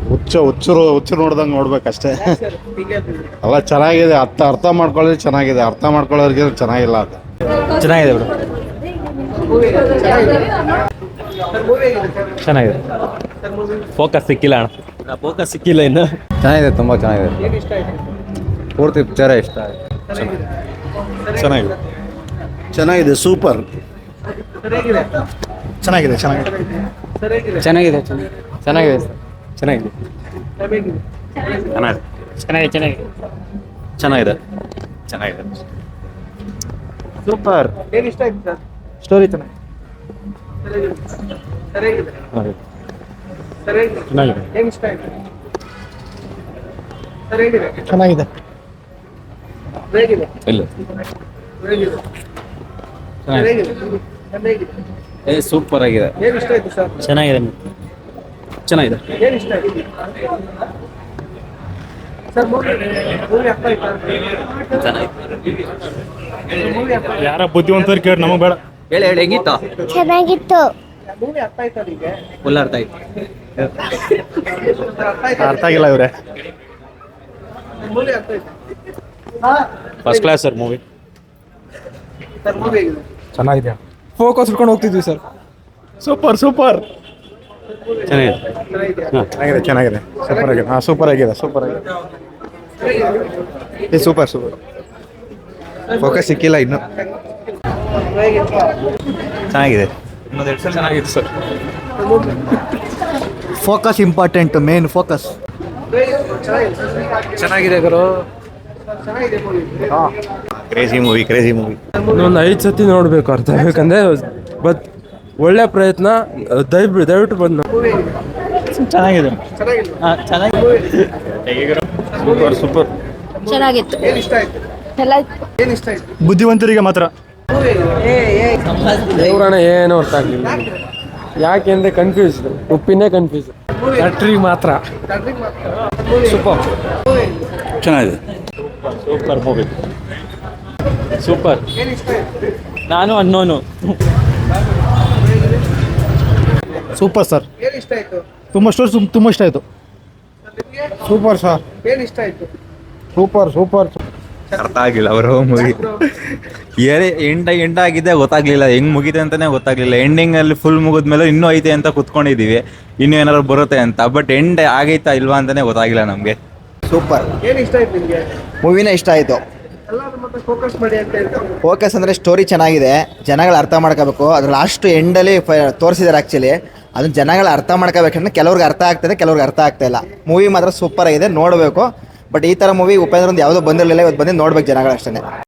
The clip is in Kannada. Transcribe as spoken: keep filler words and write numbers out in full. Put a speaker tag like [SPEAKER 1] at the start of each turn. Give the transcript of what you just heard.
[SPEAKER 1] ಹುಚ್ಚ ಹುಚ್ಚರು ಹುಚ್ಚರು ನೋಡ್ದಂಗೆ ನೋಡ್ಬೇಕಷ್ಟೇ. ಅಲ್ಲ ಚೆನ್ನಾಗಿದೆ, ಅರ್ಥ ಅರ್ಥ ಮಾಡ್ಕೊಳ್ಳೋದು ಚೆನ್ನಾಗಿದೆ, ಅರ್ಥ ಮಾಡ್ಕೊಳ್ಳೋರಿಗೆ ಚೆನ್ನಾಗಿಲ್ಲ ಅದು.
[SPEAKER 2] ಚೆನ್ನಾಗಿದೆ ಬಿಡು, ಚೆನ್ನಾಗಿದೆ. ಫೋಕಸ್ ಸಿಕ್ಕಿಲ್ಲ ಅಣ್ಣ, ಫೋಕಸ್ ಸಿಕ್ಕಿಲ್ಲ ಇನ್ನು.
[SPEAKER 3] ಚೆನ್ನಾಗಿದೆ, ತುಂಬ ಚೆನ್ನಾಗಿದೆ. ಪೂರ್ತಿ ಪಿಕ್ಚರೇ ಇಷ್ಟ ಆಯ್ತು.
[SPEAKER 1] ಚೆನ್ನಾಗಿದೆ ಚೆನ್ನಾಗಿದೆ ಸೂಪರ್. ಚೆನ್ನಾಗಿದೆ ಚೆನ್ನಾಗಿದೆ
[SPEAKER 3] ಚೆನ್ನಾಗಿದೆ ಚೆನ್ನಾಗಿದೆ ಚೆನ್ನಾಗಿದೆ
[SPEAKER 2] ಚೆನ್ನಾಗಿದೆ ಚೆನ್ನಾಗಿದೆ ಚೆನ್ನಾಗಿದೆ.
[SPEAKER 3] ಸೂಪರ್.
[SPEAKER 2] ಸ್ಟೋರಿ ಚೆನ್ನಾಗಿದೆ
[SPEAKER 1] ಚೆನ್ನಾಗಿದೆ.
[SPEAKER 2] ಇಲ್ಲ ಏ ಸೂಪರ್ ಆಗಿದೆ, ಚೆನ್ನಾಗಿದೆ ಚೆನ್ನಾಗಿದೆ.
[SPEAKER 1] ಯಾರ ಬುದ್ಧಿವಂತರು ಕೇಳಿ ನಮಗೆ ಬೇಡ.
[SPEAKER 2] ಹೇಳಿ ಹೇಳಿ ಹೆಂಗಿತ್ತು?
[SPEAKER 4] ಚೆನ್ನಾಗಿತ್ತು.
[SPEAKER 2] ಫುಲ್ ಅರ್ಥ ಆಯ್ತು.
[SPEAKER 1] ಅರ್ಥ ಆಗಿಲ್ಲ ಇವ್ರೆ.
[SPEAKER 2] First class sir movie.
[SPEAKER 1] ಚೆನ್ನಾಗಿದೆ,
[SPEAKER 3] ಫೋಕಸ್ ಇಟ್ಕೊಂಡು ಹೋಗ್ತಿದ್ವಿ ಸರ್.
[SPEAKER 1] ಸೂಪರ್ ಸೂಪರ್
[SPEAKER 2] ಚೆನ್ನಾಗಿದೆ
[SPEAKER 1] ಚೆನ್ನಾಗಿದೆ ಚೆನ್ನಾಗಿದೆ ಸೂಪರ್ ಆಗಿದೆ. ಹಾಂ ಸೂಪರ್ ಆಗಿದೆ ಸೂಪರ್ ಆಗಿದೆ.
[SPEAKER 3] ಏ ಸೂಪರ್ ಸೂಪರ್. ಫೋಕಸ್ ಸಿಕ್ಕಿಲ್ಲ ಇನ್ನು.
[SPEAKER 1] ಚೆನ್ನಾಗಿದೆ
[SPEAKER 2] ಚೆನ್ನಾಗಿದೆ sir.
[SPEAKER 3] Focus important, main focus.
[SPEAKER 2] ಚೆನ್ನಾಗಿದೆ ಗುರು.
[SPEAKER 1] Crazy movie crazy movie.
[SPEAKER 5] ಇನ್ನೊಂದು ಐದು ಸತಿ ನೋಡಬೇಕು ಅರ್ಥ ಬೇಕಂದ್ರೆ. ಬಟ್ ಒಳ್ಳೆ ಪ್ರಯತ್ನ, ದಯವಿಟ್ಟು ದಯವಿಟ್ಟು ಬಂದು
[SPEAKER 2] ಚೆನ್ನಾಗಿದೆ
[SPEAKER 1] ಸೂಪರ್ ಸೂಪರ್
[SPEAKER 4] ಚೆನ್ನಾಗಿತ್ತು. ಎಲ್ಲ
[SPEAKER 1] ಬುದ್ಧಿವಂತರಿಗೆ ಮಾತ್ರ.
[SPEAKER 5] ದೇವ್ರಣ ಏನೋ ಅರ್ಥ ಆಗಲಿಲ್ಲ. ಯಾಕೆ ಅಂದರೆ ಕನ್ಫ್ಯೂಸ್, ಉಪ್ಪಿನೇ ಕನ್ಫ್ಯೂಸ್. ಥ್ಯಾಟ್ರಿಗೆ ಮಾತ್ರ ಸೂಪರ್
[SPEAKER 2] ಚೆನ್ನಾಗಿದೆ. Super movie, super. ನಾನು ಅನ್ನೋನು
[SPEAKER 1] ಸೂಪರ್ ಸರ್. ತುಂಬ ಸ್ಟೋರಿ ತುಂಬ ಇಷ್ಟ ಆಯಿತು. Super sir. Super super.
[SPEAKER 3] ಅರ್ಥ ಆಗಿಲ್ಲ ಅವರು ಮೂವಿ. ಏನೇ ಎಂಡ ಎಂಡ ಆಗಿದೆ ಗೊತ್ತಾಗ್ಲಿಲ್ಲ, ಹೆಂಗ್ ಮುಗಿದೆ ಅಂತಾನೆ ಗೊತ್ತಾಗ್ಲಿಲ್ಲ. ಎಂಡಿಂಗ್ ಅಲ್ಲಿ ಫುಲ್ ಮುಗಿದ್ಮೇಲೆ ಇನ್ನೂ ಐತೆ ಅಂತ ಕುತ್ಕೊಂಡಿದೀವಿ, ಇನ್ನೂ ಏನಾದ್ರು ಬರುತ್ತೆ ಅಂತ. ಬಟ್ ಎಂಡ್ ಆಗೈತಾ ಇಲ್ವಾ ಅಂತಾನೆ ಗೊತ್ತಾಗಿಲ್ಲ ನಮ್ಗೆ.
[SPEAKER 6] ಸೂಪರ್. ಮೂವಿನೇ ಇಷ್ಟ ಆಯಿತು. ಫೋಕಸ್ ಅಂದರೆ ಸ್ಟೋರಿ ಚೆನ್ನಾಗಿದೆ, ಜನಗಳು ಅರ್ಥ ಮಾಡ್ಕೋಬೇಕು. ಅದು ಲಾಸ್ಟ್ ಎಂಡಲ್ಲಿ ತೋರಿಸಿದ್ದಾರೆ ಆ್ಯಕ್ಚುಲಿ. ಅದನ್ನ ಜನಗಳು ಅರ್ಥ ಮಾಡ್ಕೋಬೇಕಂದ್ರೆ ಕೆಲವ್ರಿಗೆ ಅರ್ಥ ಆಗ್ತದೆ, ಕೆಲವ್ರಿಗೆ ಅರ್ಥ ಆಗ್ತಾ ಇಲ್ಲ. ಮೂವಿ ಮಾತ್ರ ಸೂಪರ್ ಆಗಿದೆ, ನೋಡಬೇಕು. ಬಟ್ ಈ ಥರ ಮೂವಿ ಉಪೇಂದ್ರ ಒಂದು ಯಾವುದೋ ಬಂದಿರಲಿಲ್ಲ, ಇವತ್ತು ಬಂದು ನೋಡ್ಬೇಕು ಜನಗಳು ಅಷ್ಟೇ.